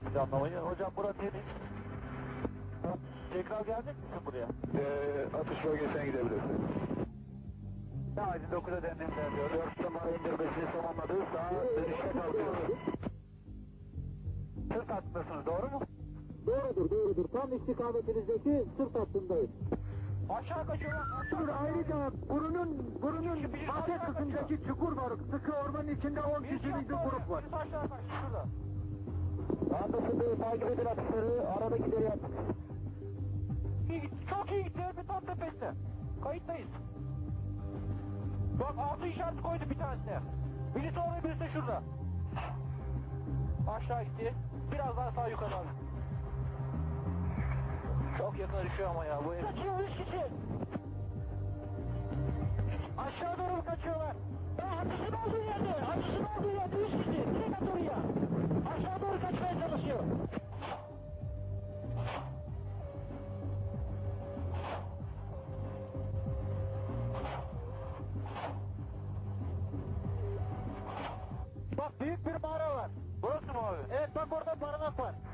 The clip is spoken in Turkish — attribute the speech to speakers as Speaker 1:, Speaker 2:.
Speaker 1: planlamayı. Hocam burası temiz. Tekrar gelecek misin buraya?
Speaker 2: Atış bölgesine gidebilirsin.
Speaker 1: Acil 9'a deneyimler diyor. 4 numara indirmesini tamamladık. Daha dönüşte kalkıyoruz. Sırt hattındasınız, doğru mu?
Speaker 3: Doğrudur. Tam istikametinizdeki sırt hattındayız.
Speaker 1: Aşağı kaçıyorlar. Aşağı.
Speaker 3: Ayrıca burunun bahçe kısmındaki çukur var. Sıkı ormanın içinde 10 kişilik bir grup var.
Speaker 1: Birisi aşağı kaç, şurada. Anlaşıldı, takip edin atışları. Aradakileri yaptık. İyi gitti, çok iyi gitti. Bir tam tepesinde. Kayıttayız. Bak altı işareti koydu bir tanesine. Birisi orada, birisi de şurada. Aşağı gitti. Biraz daha sağ yukarı abi. Çok yakına düşüyor ama ya bu ev. Kaçıyor 3 kişi. Aşağı doğru kaçıyorlar. Atışın olduğu yerde 3 kişi. Direkt at oraya. Aşağı doğru kaçmaya çalışıyor. Bak büyük bir mağara var. Burası mı abi? Evet bak orada barınak var.